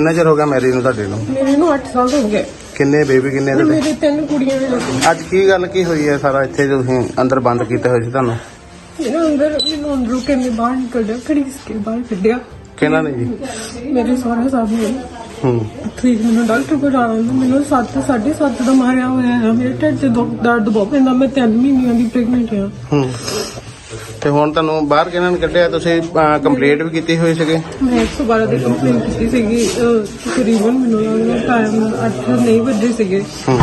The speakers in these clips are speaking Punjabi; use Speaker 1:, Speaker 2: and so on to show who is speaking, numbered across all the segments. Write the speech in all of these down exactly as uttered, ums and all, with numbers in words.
Speaker 1: ਕਿੰਨਾ ਚਿਰ ਹੋ ਗਿਆ ਮੈਰਿਜ ਨੂੰ ਤੁਹਾਡੇ ਨੂੰ?
Speaker 2: ਮੇਰੇ ਨੂੰ ਅੱਠ ਸਾਲ ਹੋ ਗਏ।
Speaker 1: ਕਿੰਨੇ ਬੇਬੀ ਕਿੰਨੇ ਤੁਹਾਡੇ?
Speaker 2: ਮੇਰੇ ਤਿੰਨ ਕੁੜੀਆਂ ਨੇ।
Speaker 1: ਅੱਜ ਕੀ ਗੱਲ ਕੀ ਹੋਈ ਹੈ ਸਾਰਾ ਇੱਥੇ ਤੁਸੀਂ ਅੰਦਰ ਬੰਦ ਕੀਤੇ ਹੋਏ ਸੀ ਤੁਹਾਨੂੰ?
Speaker 2: ਮੈਨੂੰ ਅੰਦਰ ਮੈਨੂੰ ਅੰਦਰੋਂ ਕਿੰਨੇ ਬਾਹਰ ਨਿਕਲਿਆ, ਖੜੀਸ ਕੇ ਬਾਹਰ ਕੱਢਿਆ।
Speaker 1: ਕਿਹਨਾਂ ਨੇ ਜੀ?
Speaker 2: ਮੇਰੇ ਸਹੁਰਾ ਸਾਹਿਬ ਨੇ।
Speaker 1: ਹੂੰ
Speaker 2: ਠੀਕ ਮੈਨੂੰ ਡਾਕਟਰ ਕੋਲ ਜਾਣਾ, ਮੈਨੂੰ ਸੱਤ ਸਾਢੇ ਸੱਤ ਦਾ ਮਾਰਿਆ ਹੋਇਆ ਹੈ। ਮੇਰੇ ਢਿੱਡ 'ਚ ਦੁੱਖ ਦਰਦ ਬਹੁਤ ਪੈਂਦਾ। ਮੈਂ ਤਿੰਨ ਮਹੀਨਿਆਂ ਦੀ ਪ੍ਰੈਗਨੈਂਟ ਹਾਂ।
Speaker 1: ਹੂੰ ਤੇ ਹੁਣ ਤੁਹਾਨੂੰ ਬਾਹਰ ਕਿਹਨਾਂ ਨੇ ਕੱਢਿਆ? ਤੁਸੀਂ ਕੰਪਲੇਂਟ ਵੀ ਕੀਤੀ ਹੋਈ ਸੀਗੀ?
Speaker 2: ਮੈਂ ਇੱਕ ਸੌ ਬਾਰਾਂ ਦੀ ਕੰਪਲੇਂਟ ਕੀਤੀ ਸੀਗੀ। ਅਹ, ਤਕਰੀਬਨ ਮੈਨੂੰ ਲੱਗਦਾ ਟਾਈਮ ਅੱਠ ਨਹੀਂ ਵੱਜੇ ਸੀਗੇ।
Speaker 1: ਹੂੰ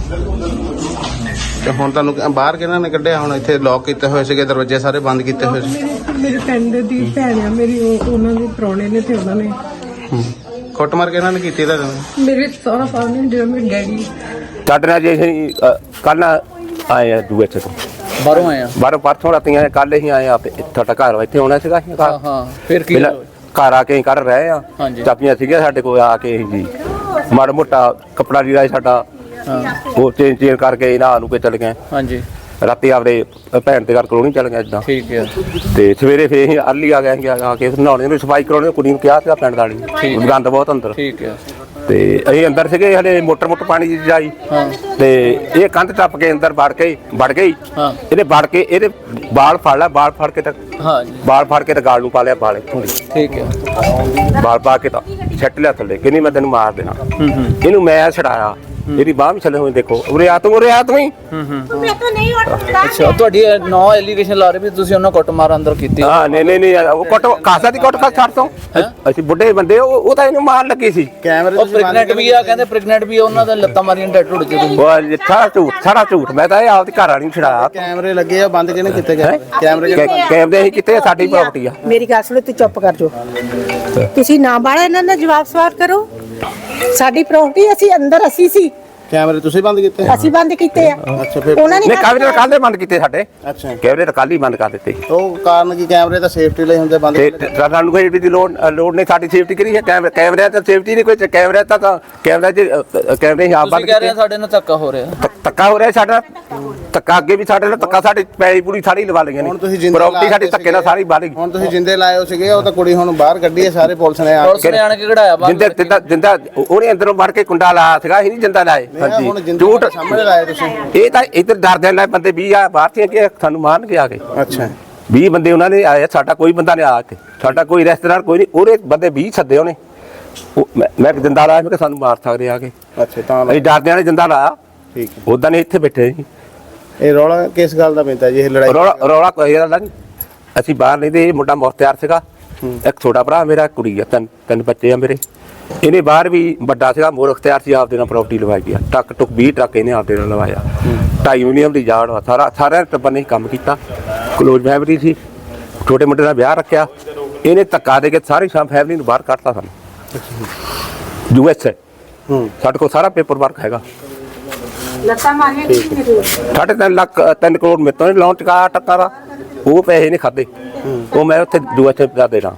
Speaker 1: ਤੇ ਹੁਣ ਤੁਹਾਨੂੰ ਬਾਹਰ ਕਿਹਨਾਂ ਨੇ ਕੱਢਿਆ? ਹੁਣ ਇੱਥੇ ਲੌਕ ਕੀਤੇ ਹੋਏ ਸੀਗੇ, ਦਰਵਾਜ਼ੇ ਸਾਰੇ ਬੰਦ ਕੀਤੇ ਹੋਏ ਸੀ।
Speaker 2: ਮੇਰੇ ਮੇਰੇ ਪਿੰਡ ਦੀ ਭੈਣ ਆ ਮੇਰੀ, ਉਹ ਉਹਨਾਂ ਦੇ ਪ੍ਰਾਹੁਣੇ ਨੇ ਤੇ ਉਹਨਾਂ ਨੇ
Speaker 1: ਹੂੰ ਕੁੱਟਮਾਰ ਕਿਹਨਾਂ ਨੇ ਕੀਤੀ ਤੁਹਾਡੇ ਨਾਲ?
Speaker 2: ਮੇਰੇ ਸਹੁਰਾ ਸਾਹਿਬ ਨੇ, ਜਿਹੜਾ ਮੇਰੇ ਡੈਡੀ।
Speaker 3: ਸਾਡੇ ਨਾਲ ਜੇ ਅਸੀਂ ਕੱਲ ਆਏ ਆ ਦੂਏ ਤੋਂ
Speaker 4: ਬਾਹਰੋਂ ਆਏ ਆ
Speaker 3: ਬਾਹਰੋਂ ਪਰਸੋਂ ਰਾਤੀ ਆਏ, ਕੱਲ ਹੀ ਆਏ ਆ। ਤੁਹਾਡਾ ਘਰ ਇੱਥੇ ਆਉਣਾ ਸੀਗਾ?
Speaker 4: ਹਾਂ ਹਾਂ ਫਿਰ ਕੀ
Speaker 3: ਘਰ ਆ ਕੇ ਅਸੀਂ ਕਰ ਰਹੇ ਆ। ਚਾਬੀਆਂ ਸੀਗੀਆਂ ਸਾਡੇ ਕੋਲ, ਆ ਕੇ ਜੀ ਮਾੜਾ ਮੋਟਾ ਕੱਪੜਾ ਲੀੜਾ ਸਾਡਾ ਉਹ ਚੇਂਜ ਚੇਂਜ ਕਰਕੇ ਨਾ ਨੂੰ ਕੇ ਚਲੇ ਗਏ।
Speaker 4: ਹਾਂਜੀ
Speaker 3: ਰਾਤੀ ਆਪਦੇ ਭੈਣ ਦੇ ਘਰ ਕਲੋਨੀ ਚੱਲ ਗਏ ਇਦਾਂ।
Speaker 4: ਠੀਕ ਹੈ।
Speaker 3: ਤੇ ਸਵੇਰੇ ਫੇਰ ਅਸੀਂ ਅਰਲੀ ਆ ਗਏ ਆ ਕੇ ਨਹਾਉਣੇ ਨੂੰ ਸਫਾਈ ਕਰਾਉਣੀ, ਕੁੜੀ ਨੂੰ ਕਿਹਾ ਸੀਗਾ ਪਿੰਡ ਵਾਲੀ, ਗੰਦ ਬਹੁਤ ਅੰਦਰ।
Speaker 4: ਠੀਕ ਹੈ।
Speaker 3: ਤੇ ਅਸੀਂ ਅੰਦਰ ਸੀਗੇ, ਹਲੇ ਮੋਟਰ ਮੋਟਰ ਪਾਣੀ ਦੀ ਜਾਈ ਤੇ ਇਹ ਕੰਧ ਟੱਪ ਕੇ ਅੰਦਰ ਵੜ ਕੇ ਵੜ ਗਈ। ਇਹਨੇ ਵੜ ਕੇ ਇਹਦੇ ਬਾਲ ਫੜ ਲਿਆ, ਬਾਲ ਫੜ ਕੇ ਤਾਂ
Speaker 4: ਹਾਂ
Speaker 3: ਬਾਲ ਫੜ ਕੇ ਤਾਂ ਗਾਲ ਨੂੰ ਪਾ ਲਿਆ, ਬਾਲ ਇੱਥੋਂ ਦੀ।
Speaker 4: ਠੀਕ ਹੈ।
Speaker 3: ਬਾਲ ਪਾ ਕੇ ਤਾਂ ਛੱਟ ਲਿਆ ਥੱਲੇ, ਕਹਿੰਦੀ ਮੈਂ ਤੈਨੂੰ ਮਾਰ ਦੇਣਾ। ਇਹਨੂੰ ਮੈਂ ਛਡਾਇਆ, ਇਹਦੀ ਬਾਹ ਵੀ ਛੱਲੇ ਹੋਏ, ਦੇਖੋ ਉਰੇ ਆ ਤੂੰ, ਉਰੇ ਆ ਤੂੰ ਹੀ।
Speaker 4: ਹੂੰ ਹੂੰ ਅੱਛਾ, ਤੁਹਾਡੀ ਨੌ ਐਲੀਗੇਸ਼ਨ ਲਾ ਰਹੇ ਵੀ ਤੁਸੀਂ ਉਹਨਾਂ ਕੁੱਟ ਮਾਰ ਅੰਦਰ ਕੀਤੀ?
Speaker 3: ਹਾਂ ਨਹੀਂ ਨਹੀਂ ਨਹੀਂ, ਉਹ ਕੁੱਟ ਕਾਸਾ ਦੀ ਕੁੱਟ ਖਾ ਛੱਡ ਤੋਂ। ਅਸੀਂ ਬੁੱਢੇ ਬੰਦੇ, ਉਹ ਤਾਂ ਇਹਨੂੰ ਮਾਰਨ ਲੱਗੀ ਸੀ।
Speaker 1: ਕੈਮਰੇ
Speaker 4: ਉਹ ਪ੍ਰੈਗਨੈਂਟ ਵੀ ਆ, ਕਹਿੰਦੇ ਪ੍ਰੈਗਨੈਂਟ ਵੀ ਆ, ਉਹਨਾਂ ਦਾ ਲੱਤਾਂ ਮਾਰੀਆਂ ਡੈਡ ਢੁੱਡ ਚ।
Speaker 3: ਉਹ ਸਾਰਾ ਝੂਠ, ਸਾਰਾ ਝੂਠ। ਮੈਂ ਤਾਂ ਇਹ ਆਪਦੀ ਘਰ ਵਾਲੀ ਨੂੰ ਛਡਾਇਆ।
Speaker 1: ਕੈਮਰੇ ਲੱਗੇ ਆ, ਬੰਦ ਕਿਹਨੇ ਕੀਤੇ ਗਏ? ਕੈਮਰੇ
Speaker 3: ਕੈਮਰੇ ਅਸੀਂ ਕਿਤੇ, ਸਾਡੀ ਪ੍ਰਾਪਰਟੀ ਆ।
Speaker 5: ਮੇਰੀ ਗੱਲ ਸੁਣੋ, ਤੂੰ ਚੁੱਪ ਕਰ ਜੋ। ਤੁਸੀਂ ਨਾ ਬਾੜਾ ਇਹਨਾਂ ਦਾ ਜਵਾਬ ਸਵਾਲ ਕਰੋ। ਸਾਡੀ ਪ੍ਰਾਪਰਟੀ, ਅਸੀਂ ਅੰਦਰ ਅਸੀਂ ਸੀ।
Speaker 1: ਕੈਮਰੇ ਤੁਸੀਂ ਬੰਦ ਕੀਤੇ?
Speaker 5: ਅਸੀਂ ਬੰਦ ਕੀਤੇ ਆ।
Speaker 1: ਅੱਛਾ ਫਿਰ
Speaker 5: ਉਹਨਾਂ ਨੇ
Speaker 3: ਨਹੀਂ, ਕੈਮਰੇ ਕੱਲ੍ਹ ਦੇ ਬੰਦ ਕੀਤੇ ਸਾਡੇ।
Speaker 1: ਅੱਛਾ
Speaker 3: ਕੈਮਰੇ ਤਾਂ ਕੱਲ੍ਹ ਹੀ ਬੰਦ ਕਰ ਦਿੱਤੇ।
Speaker 1: ਉਹ ਕਾਰਨ ਕੀ? ਕੈਮਰੇ ਤਾਂ ਸੇਫਟੀ ਲਈ ਹੁੰਦੇ ਬੰਦ।
Speaker 3: ਤੇ ਸਾਨੂੰ ਕੋਈ ਦੀ ਲੋੜ ਲੋੜ ਨਹੀਂ, ਸਾਡੀ ਸੇਫਟੀ ਕਰੀ ਹੈ। ਕੈਮਰੇ ਕੈਮਰੇ ਤਾਂ ਸੇਫਟੀ ਨਹੀਂ ਕੋਈ। ਕੈਮਰੇ ਤਾਂ ਕੈਮਰੇ ਚ ਕੈਮਰੇ ਹੀ ਆਪ ਬੰਦ
Speaker 4: ਕਹਿ ਰਹੇ ਸਾਡੇ ਨਾਲ ਧੱਕਾ ਹੋ ਰਿਹਾ।
Speaker 3: ਧੱਕਾ ਹੋ ਰਿਹਾ ਸਾਡਾ, ਧੱਕਾ ਅੱਗੇ ਵੀ ਸਾਡੇ ਨਾਲ ਧੱਕਾ, ਸਾਡੀ ਪੈਲੀ ਪੂਰੀ ਸਾਰੀ ਲਵਾ ਲਈਆਂ ਨੇ। ਪ੍ਰਾਪਰਟੀ ਸਾਡੀ ਧੱਕੇ ਨਾਲ ਸਾਰੀ ਬਾਹਰ ਗਈ।
Speaker 1: ਹੁਣ ਤੁਸੀਂ ਜਿੰਦੇ ਲਾਏ ਹੋ ਸੀਗੇ, ਉਹ ਤਾਂ ਕੁੜੀ ਹੁਣ ਬਾਹਰ ਕੱਢੀ ਹੈ, ਸਾਰੇ ਪੁਲਿਸ ਨੇ ਆ
Speaker 4: ਪੁਲਿਸ ਨੇ ਆਣ ਕੇ ਕਢਾਇਆ ਬਾਹਰ।
Speaker 3: ਜਿੰਦਾ ਜਿੰਦਾ ਜਿੰਦਾ ਉਹਨੇ ਅੰਦਰੋਂ ਵੜ ਕੇ ਕੁੰਡਾ ਲਾਇਆ ਸੀਗਾ, ਅਸੀਂ ਨਹੀਂ ਜਿੰਦਾ ਲਾਏ। ਹਾਂਜੀ ਝੂਠ
Speaker 1: ਸਾਹਮਣੇ ਲਾਏ ਤੁਸੀਂ।
Speaker 3: ਇਹ ਤਾਂ ਇੱਧਰ ਡਰਦੇ ਨਾਲ ਬੰਦੇ ਵੀਹ ਆ ਬਾਹਰ ਸੀ ਕਿ ਸਾਨੂੰ ਮਾਰਨ ਕੇ ਆ ਗਏ।
Speaker 1: ਅੱਛਾ
Speaker 3: ਵੀਹ ਬੰਦੇ ਉਹਨਾਂ ਨੇ ਆਏ, ਸਾਡਾ ਕੋਈ ਬੰਦਾ ਨਹੀਂ ਆ ਕੇ, ਸਾਡਾ ਕੋਈ ਰਿਸ਼ਤੇਦਾਰ ਕੋਈ ਨਹੀਂ। ਉਹਦੇ ਬੰਦੇ ਵੀਹ ਸੱਦੇ ਉਹਨੇ। ਮੈਂ ਜਿੰਦਾ ਲਾਇਆ, ਮੈਂ ਕਿ ਸਾਨੂੰ ਮਾਰ ਸਕਦੇ ਆ ਕੇ।
Speaker 1: ਅੱਛਾ ਤਾਂ
Speaker 3: ਅਸੀਂ ਡਰਦਿਆਂ ਨੇ ਜਿੰਦਾ ਲਾਇਆ।
Speaker 1: ਠੀਕ ਹੈ।
Speaker 3: ਉਦਾਂ ਨੇ ਇੱਥੇ ਬੈਠੇ ਸੀ।
Speaker 1: ਇਹ ਰੌਲਾ ਕਿਸ ਗੱਲ ਦਾ ਪੈਂਦਾ ਜੀ? ਇਹ ਲੜਾਈ
Speaker 3: ਰੌਲਾ ਰੌਲਾ ਕੋਈ ਗੱਲ ਨਹੀਂ। ਅਸੀਂ ਬਾਹਰ ਨਹੀਂ ਤੇ ਇਹ ਮੁੰਡਾ ਮੁਖਤਿਆਰ ਸੀਗਾ, ਇੱਕ ਛੋਟਾ ਭਰਾ ਮੇਰਾ, ਕੁੜੀ ਆ, ਤਿੰਨ ਤਿੰਨ ਬੱਚੇ ਆ ਮੇਰੇ। ਇਹਨੇ ਬਾਹਰ ਵੀ ਵੱਡਾ ਸੀਗਾ, ਮੋਰ ਅਖਤਿਆਰ ਸੀ, ਆਪਦੇ ਨਾਲ ਪ੍ਰਾਪਰਟੀ ਲਵਾਈ ਗਿਆ। ਟੱਕ ਟੁੱਕ ਵੀਹ ਟਰੱਕ ਇਹਨੇ ਆਪਦੇ ਨਾਲ ਲਵਾਇਆ। ਢਾਈ ਯੂਨੀਅਮ ਦੀ ਜਾੜ ਵਾ, ਸਾਰਾ ਸਾਰਿਆਂ ਟੱਬਰ ਨੇ ਕੰਮ ਕੀਤਾ। ਕਲੋਜ਼ ਫੈਮਿਲੀ ਸੀ, ਛੋਟੇ ਮੁੰਡੇ ਦਾ ਵਿਆਹ ਰੱਖਿਆ। ਇਹਨੇ ਧੱਕਾ ਦੇ ਕੇ ਸਾਰੀ ਸ਼ਾਮ ਫੈਮਿਲੀ ਨੂੰ ਬਾਹਰ ਕੱਢਤਾ ਸਾਨੂੰ। ਯੂ ਐਸ ਏ ਸਾਡੇ ਕੋਲ ਸਾਰਾ ਪੇਪਰ ਵਰਕ ਹੈਗਾ।
Speaker 5: ਲੱਤਾਂ ਮਾਰੀਆਂ
Speaker 3: ਸਾਢੇ ਤਿੰਨ ਲੱਖ ਤਿੰਨ ਕਰੋੜ ਮੇਰੇ ਤੋਂ ਲੋਨ ਚੁਕਾਇਆ ਟੱਕਾ ਦਾ। ਉਹ ਪੈਸੇ ਨਹੀਂ ਖਾਦੇ, ਉਹ ਮੈਂ ਉੱਥੇ ਯੂ ਐਸ ਏ ਦਾ ਦੇਣਾ।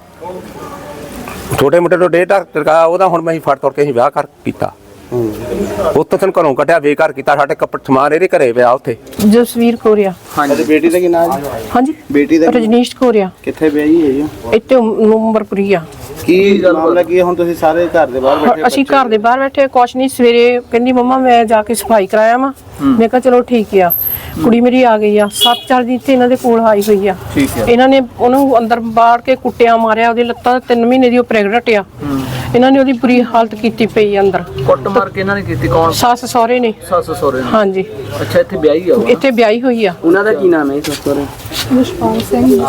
Speaker 3: ਛੋਟੇ ਮੁੰਡੇ ਤੋਂ ਡੇਢ ਲੱਖ ਚੁਕਾਇਆ ਉਹਦਾ। ਹੁਣ ਮੈਂ ਹੀ ਫੜ ਤੋੜ ਕੇ ਅਸੀਂ ਵਿਆਹ ਕਰ ਕੀਤਾ। ਉੱਥੋਂ ਤੈਨੂੰ ਘਰੋਂ ਕੱਢਿਆ, ਬੇਕਾਰ ਕੀਤਾ। ਸਾਡੇ ਕੱਪੜੇ ਸਮਾਨ ਇਹਦੇ ਘਰੇ ਪਿਆ ਉੱਥੇ।
Speaker 2: ਜਸਵੀਰ ਕੋਰੀਆ।
Speaker 1: ਹਾਂਜੀ ਬੇਟੀ ਦਾ ਕੀ ਨਾਮ ਹੈ?
Speaker 2: ਹਾਂਜੀ
Speaker 1: ਬੇਟੀ ਦਾ
Speaker 2: ਰਜਨੀਸ਼ ਕੋਰੀਆ।
Speaker 1: ਕਿੱਥੇ ਵਿਆਹੀ ਹੈ ਜੀ?
Speaker 2: ਇੱਥੇ ਨੰਬਰਪੁਰੀ ਆ।
Speaker 1: ਕੀ ਮਾਮਲਾ ਕੀ ਹੈ? ਹੁਣ ਤੁਸੀਂ ਸਾਰੇ ਘਰ ਦੇ ਬਾਹਰ ਬੈਠੇ?
Speaker 2: ਅਸੀਂ ਘਰ ਦੇ ਬਾਹਰ ਬੈਠੇ, ਕੁਛ ਨਹੀਂ। ਸਵੇਰੇ ਕਹਿੰਦੀ ਮੰਮਾ ਮੈਂ ਜਾ ਕੇ ਸਫਾਈ ਕਰਾਇਆ ਵਾ। ਮੈਂ ਕਿਹਾ ਚਲੋ ਠੀਕ ਆ। ਕੁੜੀ ਮੇਰੀ ਆ ਗਈ ਆ, ਸੱਤ ਚਾਰ ਦਿਨ ਇੱਥੇ ਇਹਨਾਂ ਦੇ ਕੋਲ ਆਈ ਹੋਈ ਆ। ਇਹਨਾਂ ਨੇ ਉਹਨੂੰ ਅੰਦਰ ਬਾੜ ਕੇ ਕੁੱਟਿਆ, ਮਾਰਿਆ। ਉਹਦੀ ਲੱਤਾਂ ਤਿੰਨ ਮਹੀਨੇ ਦੀ ਉਹ ਪ੍ਰੈਗਨੈਂਟ ਆ। ਇਹਨਾਂ ਨੇ ਉਹਦੀ ਬੁਰੀ ਹਾਲਤ ਕੀਤੀ ਪਈ ਅੰਦਰ।
Speaker 4: ਕੁੱਟ ਮਾਰ ਕੇ ਇਹਨਾਂ ਨੇ ਕੀਤੀ? ਕੌਣ?
Speaker 2: ਸੱਸ ਸਹੁਰੇ ਨੇ।
Speaker 4: ਸੱਸ ਸਹੁਰੇ ਨੇ?
Speaker 2: ਹਾਂਜੀ।
Speaker 4: ਅੱਛਾ, ਇੱਥੇ ਵਿਆਹੀ ਆ?
Speaker 2: ਇੱਥੇ ਵਿਆਹੀ ਹੋਈ ਆ।
Speaker 4: ਉਹਨਾਂ ਦਾ ਕੀ ਨਾਮ ਹੈ ਸੱਸ ਸਹੁਰੇ?
Speaker 2: ਜਸਪਾਲ ਸਿੰਘ।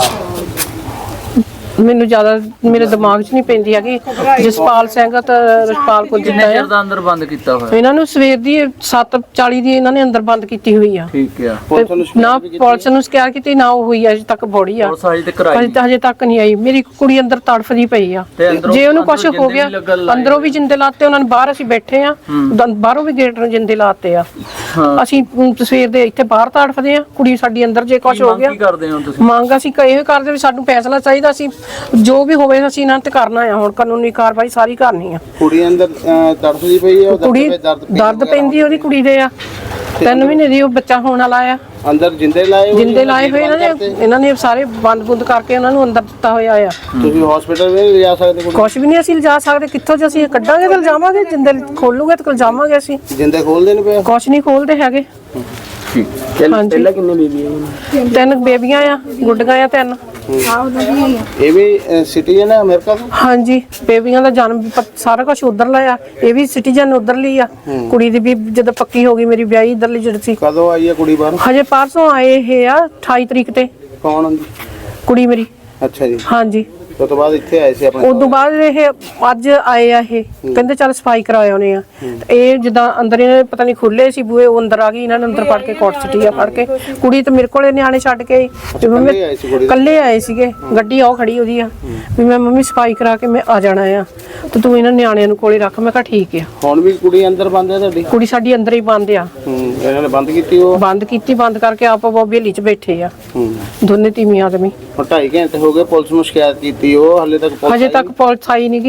Speaker 2: ਮੈਨੂੰ ਜ਼ਿਆਦਾ ਮੇਰੇ ਦਿਮਾਗ 'ਚ ਨਹੀਂ ਪੈਂਦੀ ਹੈਗੀ। ਜਸਪਾਲ ਸਿੰਘ ਤਾਂ ਰਸਪਾਲ ਕੋਲ ਜਿੱਦਾਂ
Speaker 4: ਚਿਰ ਦਾ ਅੰਦਰ ਬੰਦ ਕੀਤਾ ਹੋਇਆ
Speaker 2: ਇਹਨਾਂ ਨੂੰ। ਸਵੇਰ ਦੀ ਸੱਤ ਚਾਲੀ ਦੀ ਇਹਨਾਂ ਨੇ ਅੰਦਰ ਬੰਦ ਕੀਤੀ ਹੋਈ ਆ।
Speaker 4: ਠੀਕ ਆ।
Speaker 2: ਨਾ ਪੁਲਿਸ ਨੂੰ ਸ਼ਿਕਾਇਤ ਕੀਤੀ, ਨਾ ਉਹ ਹੋਈ ਅਜੇ ਤੱਕ ਬੋੜੀ ਆ।
Speaker 4: ਪੁਲਿਸ ਅਜੇ ਤੱਕ ਆਈ
Speaker 2: ਅਜੇ ਹਜੇ ਤੱਕ ਨਹੀਂ ਆਈ। ਮੇਰੀ ਕੁੜੀ ਅੰਦਰ ਤੜਫਦੀ ਪਈ ਆ। ਜੇ ਉਹਨੂੰ ਕੁਝ ਹੋ ਗਿਆ, ਅੰਦਰੋਂ ਵੀ ਜਿੰਦੇ ਲਾਤੇ ਉਹਨਾਂ ਨੇ। ਬਾਹਰ ਅਸੀਂ ਬੈਠੇ ਆ, ਬਾਹਰੋਂ ਵੀ ਗੇਟ ਨੂੰ ਜਿੰਦੇ ਲਾਤੇ ਆ। ਅਸੀਂ ਸਵੇਰ ਦੇ ਇੱਥੇ ਬਾਹਰ ਤੜਫਦੇ ਆ। ਕੁੜੀ ਸਾਡੀ ਅੰਦਰ ਜੇ ਕੁਝ ਹੋ ਗਿਆ।
Speaker 4: ਕੀ ਕਰਦੇ ਹੋ ਤੁਸੀਂ?
Speaker 2: ਮੰਗ ਅਸੀਂ ਇਹ ਕਰਦੇ ਵੀ ਸਾਨੂੰ ਫੈਸਲਾ ਚਾਹੀਦਾ ਸੀ, ਜੋ ਵੀ ਹੋਵੇ ਅਸੀਂ ਇਹਨਾਂ ਤੇ ਕਰਨਾ ਆ। ਹੁਣ ਕਾਨੂੰਨੀ ਕਾਰਵਾਈ ਸਾਰੀ ਕਰਨੀ ਆ।
Speaker 1: ਕੁੜੀ ਅੰਦਰ ਤੜਫਦੀ ਪਈ ਹੈ,
Speaker 2: ਕੁੜੀ ਦਰਦ ਪੈਂਦੀ ਉਹਦੀ ਕੁੜੀ ਦੇ ਆ। ਤਿੰਨ ਮਹੀਨੇ ਦੀ ਉਹ ਬੱਚਾ ਹੋਣ ਵਾਲਾ ਆ।
Speaker 1: ਅੰਦਰ ਜਿੰਦੇ ਲਾਏ ਹੋਏ
Speaker 2: ਜਿੰਦੇ ਲਾਏ ਹੋਏ ਇਹਨਾਂ ਨੇ ਇਹਨਾਂ ਨੇ ਸਾਰੇ ਬੰਦ ਬੁੰਦ ਕਰਕੇ ਉਹਨਾਂ ਨੂੰ ਅੰਦਰ ਦਿੱਤਾ ਹੋਇਆ ਆ।
Speaker 1: ਤੁਸੀਂ ਹਸਪੀਟਲ ਵੀ ਨਹੀਂ ਲਿਜਾ ਸਕਦੇ ਕੁੜੀ
Speaker 2: ਕੁਛ ਵੀ ਨਹੀਂ ਅਸੀਂ ਲਿਜਾ ਸਕਦੇ, ਕਿੱਥੋਂ ਜੇ ਅਸੀਂ ਕੱਢਾਂਗੇ ਤਾਂ ਲਿਜਾਵਾਂਗੇ, ਜਿੰਦੇ ਖੋਲੂਗੇ ਤਾਂ ਲਿਜਾਵਾਂਗੇ ਅਸੀਂ।
Speaker 1: ਜਿੰਦੇ ਖੋਲਦੇ ਨਹੀਂ ਪਏ?
Speaker 2: ਕੁਛ ਨਹੀਂ ਖੋਲਦੇ ਹੈਗੇ। ਹਾਂਜੀ
Speaker 1: ਪਹਿਲਾਂ ਕਿੰਨੇ ਬੀਬੀਆਂ?
Speaker 2: ਤਿੰਨ ਬੇਬੀਆਂ ਆ, ਗੁੱਡੀਆਂ ਆ ਤਿੰਨ।
Speaker 1: ਇਹ ਵੀ ਸਿਟੀਜ਼ਨ ਹੈ ਅਮਰੀਕਾ ਦਾ?
Speaker 2: ਹਾਂਜੀ, ਬੇਬੀਆਂ ਦਾ ਜਨਮ ਪ- ਸਾਰਾ ਕੁਝ ਉਧਰ ਲਿਆ। ਇਹ ਵੀ ਸਿਟੀਜ਼ਨ ਉਧਰ ਲਈ ਆ। ਕੁੜੀ ਦੀ ਵੀ ਜਦੋਂ ਪੱਕੀ ਹੋ ਗਈ ਮੇਰੀ ਵਿਆਹੀ ਇਧਰਲੀ ਜਿਹੜੀ ਸੀ।
Speaker 1: ਕਦੋਂ ਆਈ ਹੈ ਕੁੜੀ ਬਾਹਰ?
Speaker 2: ਹਜੇ ਪਰਸੋਂ ਆਏ ਇਹ ਆ ਅਠਾਈ ਤਰੀਕ ਤੇ
Speaker 1: ਕੌਣ ਹੁੰਦੀ?
Speaker 2: ਕੁੜੀ ਮੇਰੀ।
Speaker 1: ਅੱਛਾ ਜੀ।
Speaker 2: ਹਾਂਜੀ,
Speaker 1: ਉਸ ਤੋਂ ਬਾਅਦ ਇੱਥੇ ਆਏ ਸੀ ਆਪਣੇ?
Speaker 2: ਉਸ ਤੋਂ ਬਾਅਦ ਇਹ ਅੱਜ ਆਏ ਆ। ਇਹ ਕਹਿੰਦੇ ਚੱਲ ਸਫਾਈ ਕਰਾ ਆਉਨੇ ਆ। ਇਹ ਜਿੱਦਾਂ ਅੰਦਰ ਇਹਨੇ ਪਤਾ ਨਹੀਂ ਖੁੱਲੇ ਸੀ ਬੂਹੇ, ਉਹ ਅੰਦਰ ਆ ਗਈ, ਇਹਨਾਂ ਨੇ ਅੰਦਰ ਫੜ ਕੇ ਕੋਟ ਸਿੱਟੀ ਆ ਫੜ ਕੇ। ਕੁੜੀ ਤੇ ਮੇਰੇ ਕੋਲੇ ਨਿਆਣੇ ਛੱਡ ਕੇ ਆਈ ਤੇ ਮੰਮੀ
Speaker 1: ਇਕੱਲੇ ਆਏ ਸੀ ਕੁੜੀ ਦੇ?
Speaker 2: ਇਕੱਲੇ ਆਏ ਸੀਗੇ, ਗੱਡੀ ਉਹ ਖੜੀ ਉਹਦੀ ਆ ਵੀ ਮੈਂ ਮੰਮੀ ਸਫਾਈ ਕਰਾ ਕੇ ਮੈਂ ਆ ਜਾਣਾ ਆ ਤੇ ਤੂੰ ਇਹਨਾਂ ਨਿਆਣਿਆਂ ਨੂੰ ਕੋਲੇ ਰੱਖ। ਮੈਂ ਕਿਹਾ ਠੀਕ ਆ।
Speaker 1: ਹੁਣ ਵੀ ਕੁੜੀ ਅੰਦਰ ਬੰਦ ਹੈ ਤੁਹਾਡੀ?
Speaker 2: ਕੁੜੀ ਸਾਡੀ ਅੰਦਰ ਹੀ ਬੰਦ ਆ।
Speaker 1: ਹੂੰ, ਇਹਨਾਂ ਨੇ ਬੰਦ ਕੀਤੀ? ਉਹ
Speaker 2: ਬੰਦ ਕੀਤੀ, ਬੰਦ ਕਰਕੇ ਆਪ ਉਹ ਬੇਲੀ 'ਚ ਬੈਠੇ ਆ
Speaker 1: ਹੂੰ,
Speaker 2: ਦੋਨੇ ਤੀਵੀਂ ਆਦਮੀ।
Speaker 1: ਹੁਣ ਢਾਈ ਘੰਟੇ ਹੋ ਗਏ ਪੁਲਿਸ ਨੂੰ ਸ਼ਿਕਾਇਤ ਕੀਤੀ, ਉਹ ਹਾਲੇ ਤੱਕ ਪੁਲਿਸ
Speaker 2: ਹਜੇ ਤੱਕ ਪੁਲਿਸ ਆਈ ਨੀ ਗੀ।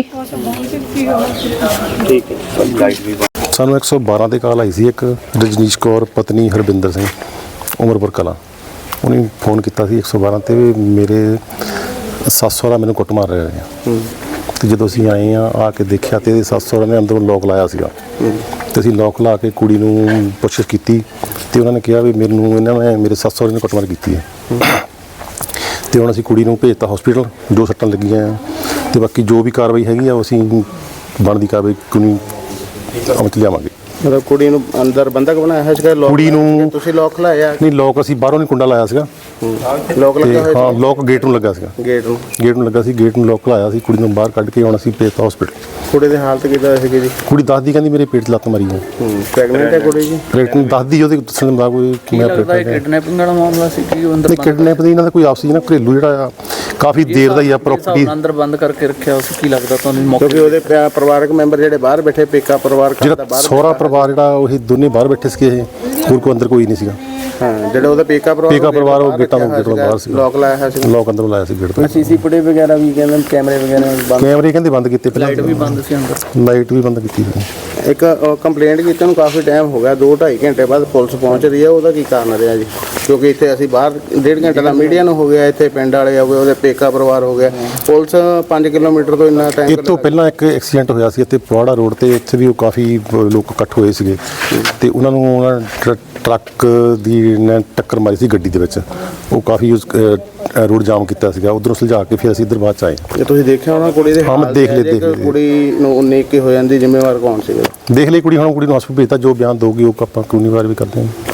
Speaker 1: ਠੀਕ ਹੈ।
Speaker 6: ਸਾਨੂੰ ਇੱਕ ਸੌ ਬਾਰਾਂ ਤੇ ਕਾਲ ਆਈ ਸੀ, ਇੱਕ ਰਜਨੀਸ਼ ਕੌਰ ਪਤਨੀ ਹਰਬਿੰਦਰ ਸਿੰਘ ਉਮਰਪੁਰ ਕਲਾਂ। ਉਹਨੇ ਫੋਨ ਕੀਤਾ ਸੀ ਇੱਕ ਸੌ ਬਾਰਾਂ ਤੇ ਵੀ ਮੇਰੇ ਸੱਸ ਸਹੁਰਾ ਮੈਨੂੰ ਕੁੱਟ ਮਾਰ ਰਹੇ ਆ। ਤੇ ਜਦੋਂ ਅਸੀਂ ਆਏ ਆ ਆ ਕੇ ਦੇਖਿਆ ਤੇ ਇਹਦੇ ਸੱਸ ਸਹੁਰਾ ਨੇ ਅੰਦਰੋਂ ਲੋਕ ਲਾਇਆ ਸੀਗਾ ਤੇ ਅਸੀਂ ਲੋਕ ਲਾ ਕੇ ਕੁੜੀ ਨੂੰ ਪੁੱਛਿਸ਼ ਕੀਤੀ ਤੇ ਉਹਨਾਂ ਨੇ ਕਿਹਾ ਵੀ ਮੈਨੂੰ ਇਹਨਾਂ ਨੇ ਮੇਰੇ ਸੱਸ ਸਹੁਰੇ ਨੇ ਕੁੱਟਮਾਰ ਕੀਤੀ ਹੈ। ਤੇ ਹੁਣ ਅਸੀਂ ਕੁੜੀ ਨੂੰ ਭੇਜਤਾ ਹਸਪੀਟਲ, ਜੋ ਸੱਟਾਂ ਲੱਗੀਆਂ ਆ ਤੇ ਬਾਕੀ ਜੋ ਵੀ ਕਾਰਵਾਈ ਹੈਗੀ ਆ ਉਹ ਅਸੀਂ ਬਣਦੀ ਕਾਰਵਾਈ ਕਾਨੂੰਨੀ ਅਮਲ 'ਚ ਲਿਆਵਾਂਗੇ।
Speaker 1: ਮਤਲਬ ਕੁੜੀ ਨੂੰ ਅੰਦਰ ਬੰਦਕ ਬਣਾਇਆ ਹੈ ਸੀਗਾ? ਲੋਕ
Speaker 6: ਕੁੜੀ ਨੂੰ
Speaker 1: ਤੁਸੀਂ ਲੋਕ ਲਾਇਆ?
Speaker 6: ਨਹੀਂ, ਲੋਕ ਅਸੀਂ ਬਾਹਰੋਂ ਨਹੀਂ ਕੁੰਡਾ ਲਾਇਆ ਸੀਗਾ
Speaker 1: ਲੋਕ
Speaker 6: ਤੇ
Speaker 1: ਲੱਗਾ ਹੋਇਆ
Speaker 6: ਹਾਂ ਲੋਕ ਗੇਟ ਨੂੰ ਲੱਗਾ ਸੀਗਾ।
Speaker 1: ਗੇਟ ਨੂੰ?
Speaker 6: ਗੇਟ ਨੂੰ ਲੱਗਾ ਸੀ, ਗੇਟ ਨੂੰ ਲੋਕ ਲਾਇਆ ਸੀ। ਕੁੜੀ ਨੂੰ ਬਾਹਰ ਕੱਢ ਕੇ ਹੁਣ ਅਸੀਂ ਭੇਜਤਾ ਹਸਪੀਟਲ।
Speaker 1: ਕੁੜੀ ਦੀ ਹਾਲਤ ਕਿੱਦਾਂ ਸੀਗੀ ਜੀ?
Speaker 6: ਕੁੜੀ ਦੱਸਦੀ ਕਹਿੰਦੀ ਮੇਰੇ ਪੇਟ 'ਚ ਲੱਤ ਮਾਰੀ ਹੈ।
Speaker 1: ਪ੍ਰੈਗਨੈਂਟ ਹੈ ਕੁੜੀ ਜੀ?
Speaker 6: ਪ੍ਰੈਗਨੈਂਟ ਦੱਸਦੀ, ਉਹਦੇ ਦੱਸਣ ਦਾ ਕੋਈ
Speaker 4: ਕੀ
Speaker 6: ਮੈਂ
Speaker 4: ਲੱਗਦਾ ਇਹ ਕਿਡਨੈਪਿੰਗ ਵਾਲਾ ਮਾਮਲਾ ਸੀ ਕਿ ਉਹ ਅੰਦਰ
Speaker 6: ਨਹੀਂ, ਕਿਡਨੈਪ ਦੀ ਇਹਨਾਂ ਦਾ ਕੋਈ ਆਪਸੀ ਨਾ ਘਰੇਲੂ ਜਿਹੜਾ ਆ ਕਾਫੀ ਦੇਰ ਦਾ ਹੀ ਆ ਪ੍ਰਾਪਰਟੀ।
Speaker 4: ਅੰਦਰ ਬੰਦ ਕਰਕੇ ਰੱਖਿਆ ਉਸ ਕੀ ਲੱਗਦਾ ਤੁਹਾਨੂੰ ਮੌਕੇ?
Speaker 1: ਕਿਉਂਕਿ ਉਹਦੇ ਪਿਆ- ਪਰਿਵਾਰਕ ਮੈਂਬਰ ਜਿਹੜੇ ਬਾਹਰ ਬੈਠੇ, ਪੇਕਾ ਪਰਿਵਾਰ ਘਰ ਦਾ
Speaker 6: ਜਿਹੜਾ
Speaker 1: ਬਾਹਰ
Speaker 6: ਸਹੁਰਾ ਪਰਿਵਾਰ ਜਿਹੜਾ ਉਹ ਇਹ ਦੋਨੇ ਬਾਹਰ ਬੈਠੇ ਸੀਗੇ, ਇਹ ਹੋਰ ਕੋਈ ਅੰਦਰ ਕੋਈ ਨਹੀਂ ਸੀਗਾ।
Speaker 1: ਹਾਂ, ਜਿਹੜਾ ਉਹਦਾ ਪੇਕਾ ਪਰਿਵਾਰ
Speaker 6: ਪੇਕਾ ਪਰਿਵਾਰ ਉਹ
Speaker 1: ਬਾਹਰ
Speaker 6: ਗੇਟਾਂ ਤੋਂ
Speaker 1: ਰੱਖਿਆ
Speaker 6: ਗੇਟ ਤੋਂ ਬਾਹਰ ਸੀਗਾ।
Speaker 1: ਲੋਕ ਲਾਇਆ ਹੋਇਆ ਸੀ?
Speaker 6: ਲੋਕ ਅੰਦਰੋਂ ਲਾਇਆ ਸੀ ਗੇਟ ਤੋਂ।
Speaker 4: ਸੀਸੀ ਫੁਟੇਜ ਵਗੈਰਾ ਵੀ ਕਹਿੰਦੇ ਕੈਮਰੇ ਵਗੈਰਾ ਬੰਦ,
Speaker 6: ਕੈਮਰੇ ਕਹਿੰਦੇ ਬੰਦ ਕੀਤੇ ਪਹਿਲਾਂ,
Speaker 4: ਲਾਈਟ ਵੀ ਬੰਦ ਸੀ ਅੰਦਰ।
Speaker 6: ਲਾਈਟ ਵੀ ਬੰਦ ਕੀਤੀ ਸੀ।
Speaker 1: ਇੱਕ ਕੰਪਲੇਂਟ ਕੀਤੀ ਨੂੰ ਕਾਫੀ ਟਾਈਮ ਹੋ ਗਿਆ, ਦੋ ਢਾਈ ਘੰਟੇ ਬਾਅਦ ਪੁਲਿਸ ਪਹੁੰਚ ਰਹੀ ਹੈ, ਉਹਦਾ ਕੀ ਕਾਰਨ ਰਿਹਾ ਜੀ? ਕਿਉਂਕਿ ਇੱਥੇ ਅਸੀਂ ਬਾਹਰ ਡੇਢ ਘੰਟੇ ਦਾ ਮੀਡੀਆ ਨੂੰ ਹੋ ਗਿਆ, ਇੱਥੇ ਪਿੰਡ ਵਾਲੇ ਹੋ ਗਏ, ਉਹਦੇ ਪੇਕਾ ਪਰਿਵਾਰ ਹੋ ਗਿਆ, ਪੁਲਿਸ ਪੰਜ ਕਿਲੋਮੀਟਰ ਤੋਂ ਇੰਨਾ ਟਾਈਮ?
Speaker 6: ਇਹ ਤੋਂ ਪਹਿਲਾਂ ਇੱਕ ਐਕਸੀਡੈਂਟ ਹੋਇਆ ਸੀ ਇੱਥੇ ਪੁਆੜਾ ਰੋਡ ਤੇ, ਇੱਥੇ ਵੀ ਉਹ ਕਾਫੀ ਲੋਕ ਇਕੱਠ ਹੋਏ ਸੀਗੇ ਤੇ ਉਹਨਾਂ ਨੂੰ ਉਹਨਾਂ ਟਰ- ਟਰੱਕ ਦੀ ਨੇ ਟੱਕਰ ਮਾਰੀ ਸੀ ਗੱਡੀ ਦੇ ਵਿੱਚ। ਉਹ ਕਾਫੀ ਉਸ ਰੋਡ ਜਾਮ ਕੀਤਾ ਸੀਗਾ, ਉਧਰੋਂ ਸੁਲਝਾ ਕੇ ਫਿਰ ਅਸੀਂ ਇੱਧਰ ਬਾਅਦ ਚ ਆਏ।
Speaker 1: ਜੇ ਤੁਸੀਂ ਦੇਖਿਆ ਹੋਣਾ ਕੁੜੀ ਦੇ
Speaker 6: ਹਾਂ, ਮੈਂ
Speaker 1: ਹਾਲ
Speaker 6: ਦੇਖ
Speaker 1: ਤੇ,
Speaker 6: ਲਏ,
Speaker 1: ਜੇ
Speaker 6: ਦੇਖ ਲਏ।
Speaker 1: ਕੁੜੀ ਨੂੰ ਉਨੀ ਕੀ ਹੋ ਜਾਂਦੀ, ਜ਼ਿੰਮੇਵਾਰ ਕੌਣ ਸੀਗਾ?
Speaker 6: ਦੇਖ ਲਈ ਕੁੜੀ, ਹੁਣ ਕੁੜੀ ਨੂੰ ਹਸਪਤਾਲ ਭੇਜਤਾ, ਜੋ ਬਿਆਨ ਦਊਗੀ ਉਹ ਆਪਾਂ ਕਾਨੂੰਨੀ ਕਾਰਵਾਈ ਕਰਦੇ ਹਾਂ।